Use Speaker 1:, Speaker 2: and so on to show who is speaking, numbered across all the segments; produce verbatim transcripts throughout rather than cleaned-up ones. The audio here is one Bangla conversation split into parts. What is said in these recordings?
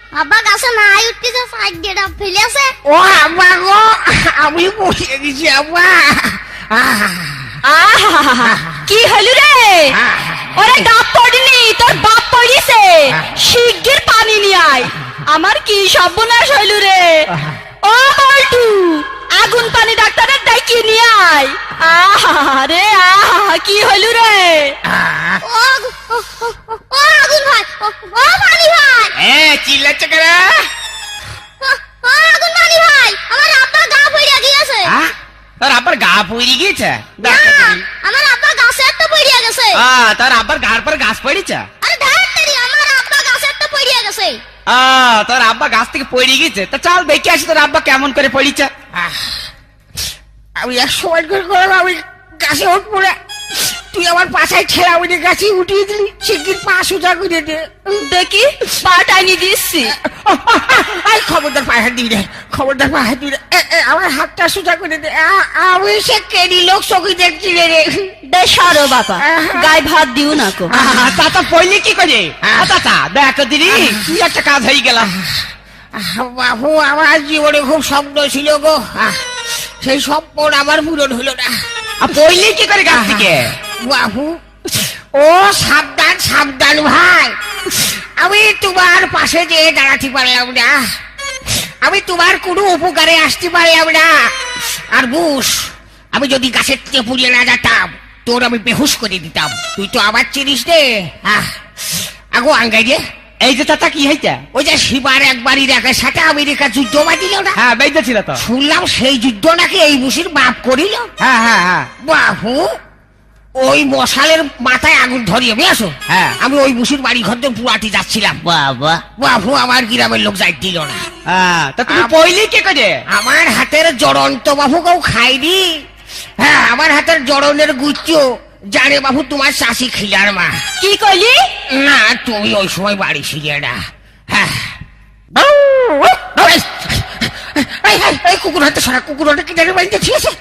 Speaker 1: আব্বা গাছে নাই উঠতেছে সাইড দিয়ে ফেলে আছে।
Speaker 2: ও আব্বা গো, আমি পড়ে গেছি আব্বা।
Speaker 3: আহা কি হলো রে? ওরে গাপ পড়িনি, তোর বাপ পড়িছে। শিগগির পানি নিয়ে আয়। আমার কি সর্বনাশ হইল রে। ও বল্টু, আগুন পানি ডাক্তারের ডাকিয়ে নিয়ে আয়। আহা রে আহা, কি হইল রে?
Speaker 1: ও ও ও আগুন ভাই, ও ও পানি ভাই,
Speaker 2: এ চিল্লাচ্ছে কেন?
Speaker 1: ও ও আগুন পানি ভাই, আমার আব্বা গা পড়ে গিয়েছে।
Speaker 2: হ্যাঁ, তোর আব্বার গা পড়ে গিয়েছে?
Speaker 1: না, আমার আব্বা গাছে একটা পড়ে গেছে।
Speaker 2: আহ, তোর আব্বার গার পর গাছ পড়েছে?
Speaker 1: আরে ধাত্তেরি, আমার আব্বা গাছে একটা পড়ে গেছে।
Speaker 2: আহ, তোর আব্বা গাছ থেকে পড়ে গিয়েছে? তা চল দেখে আসি তোর আব্বা কেমন করে পড়েছে। আমি এক সময় করে করলাম, আমি গাছে উঠবো না, তুই আমার পাশায় ঠেলা উঠে গাছে উঠিয়ে দিলি। শিগগির পা সোজা করে দে।
Speaker 3: দেখি পা টাইনি দিচ্ছি।
Speaker 2: আই খবরদার পায়ে হাত দিবি রে, খবরদার পায়ে হাত দিবি রে। এ, এ, আমার হাতটা সোজা করে দে। আ- আমি সে কেডি লোক চকি দেখছি রে রে।
Speaker 3: দে সরো বাবা, গায়ে ভাত দিও না কো।
Speaker 2: তাতা পড়লি কি করে? তাতা দেখ দিদি, তুই একটা কাজ হয়ে গেল। বাবু, আমার জীবনে খুব স্বপ্ন ছিল গো, আহ, সেই স্বপ্ন আমার পূরণ হলো না। পড়লি কি করে গাছ থেকে? বাবু, ও সাবধান সাবধান ভাই, আমি তোমার পাশে যেয়ে দাঁড়াতে পারলাম না, আমি তোমার কোনো উপকারে আসতে পারলাম না। আর বুস, আমি যদি গাছের থেকে পুড়িয়ে না যেতাম, তোর আমি বেহুশ করে দিতাম। তুই তো আবার চিনিস রে। আহ, আগো আঙ্গাই রে। এই যে চাচা, কি হয়েছে? ওই যে শিবার একবার ইরাকের সাথে আমেরিকা যুদ্ধ বাঁধিল না? হ্যাঁ, বেঁধেছিল তো। শুনলাম সেই যুদ্ধ নাকি এই বুসির বাপ করিল। হ্যাঁ হ্যাঁ হ্যাঁ। বাবু, ওই মশালের মাথায় আগুন ধরিয়ে বেসো। হ্যাঁ, আমি ওই বুসির বাড়ি ঘর দিয়ে পুরাটি যাচ্ছিলাম। বাবা, বাবু, আমার গ্রামের লোক যাই দিল না। তা তুমি পইলি কে করে? আমার হাতের জড়ন্ত বাবু কেউ খাইনি। হ্যাঁ, আমার হাতের জড়নের গুচ্ছ জানে বাবু তোমার শাশি খিলার মা।
Speaker 3: কি কইলি?
Speaker 2: না, তুমি ওই সময় বাড়ি ছিলে না। হ্যাঁ, কুকুর হাতে সারা, কুকুর হাতে কিনারে বাড়িতে ঠিক আছে।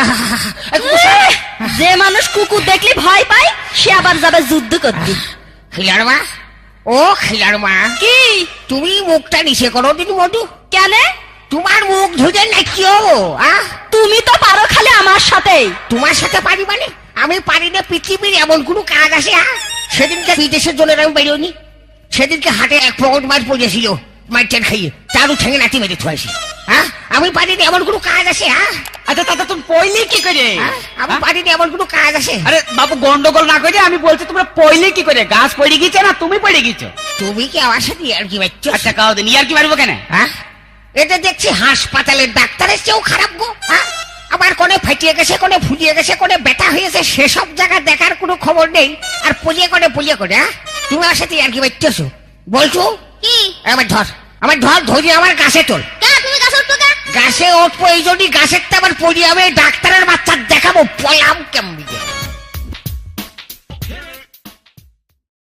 Speaker 3: যে মানুষ কুকুর দেখলে ভয় পায়, সে আবার যাবে যুদ্ধ করতে।
Speaker 2: খিলার মা, ও খিলার মা,
Speaker 3: কি
Speaker 2: তুমি মুখটা নিচে করো দিন মধু।
Speaker 3: কেন?
Speaker 2: তোমার মুখ ধুতে না কেউ। আহ,
Speaker 3: তুমি তো পারো খালি আমার সাথে।
Speaker 2: তোমার সাথে পারি মানে? আমি পারি না পৃথিবীর এমন কোন কাজ আছে? হ্যাঁ, সেদিনকে বিদেশের জন্য আমি বেরোনি, সেদিনকে হাটে এক পকেট মাছ পড়েছিল, মাইটেন খাইয়ে তারও ঠেঙে নাতি মেরে থুয়েছি। হ্যাঁ, আমি পারি না এমন কোন কাজ আছে? হ্যাঁ, আচ্ছা দাদা, তুমি পইলে কি করে? আমি পারি না এমন কোন কাজ আছে? আরে বাবু, গন্ডগোল না করে আমি বলছি, তোমরা পইলে কি করে? গাছ পড়ে গেছে না তুমি পড়ে গেছো? তুমি কি আমার সাথে আর কি বাচ্চা? আচ্ছা কাও দিন, আর কি মারবো কেন? হ্যাঁ, এটা দেখছি হাসপাতালের ডাক্তারের চেয়েও খারাপ গো। হ্যাঁ, আবার কোনে ফাটিয়ে গেছে, কোনে ফুলিয়ে গেছে, কোনে ব্যথা হয়েছে, সেসব জায়গা দেখার কোনো খবর নেই। আর পলিয়ে কোনে পলিয়ে কোনে। হ্যাঁ, তুমি আমার সাথে আর কি বাচ্চাছো বলছো?
Speaker 1: কি?
Speaker 2: আমার ধর, আমার ধর, ধরি আমার গাছে তোল।
Speaker 1: কেন তুমি গাছে উঠতো কেন?
Speaker 2: গাছে উঠবো এই জন্যই, গাছের তো আবার পড়ি, আমি ডাক্তারের বাচ্চা দেখাবো পলাম কেমন।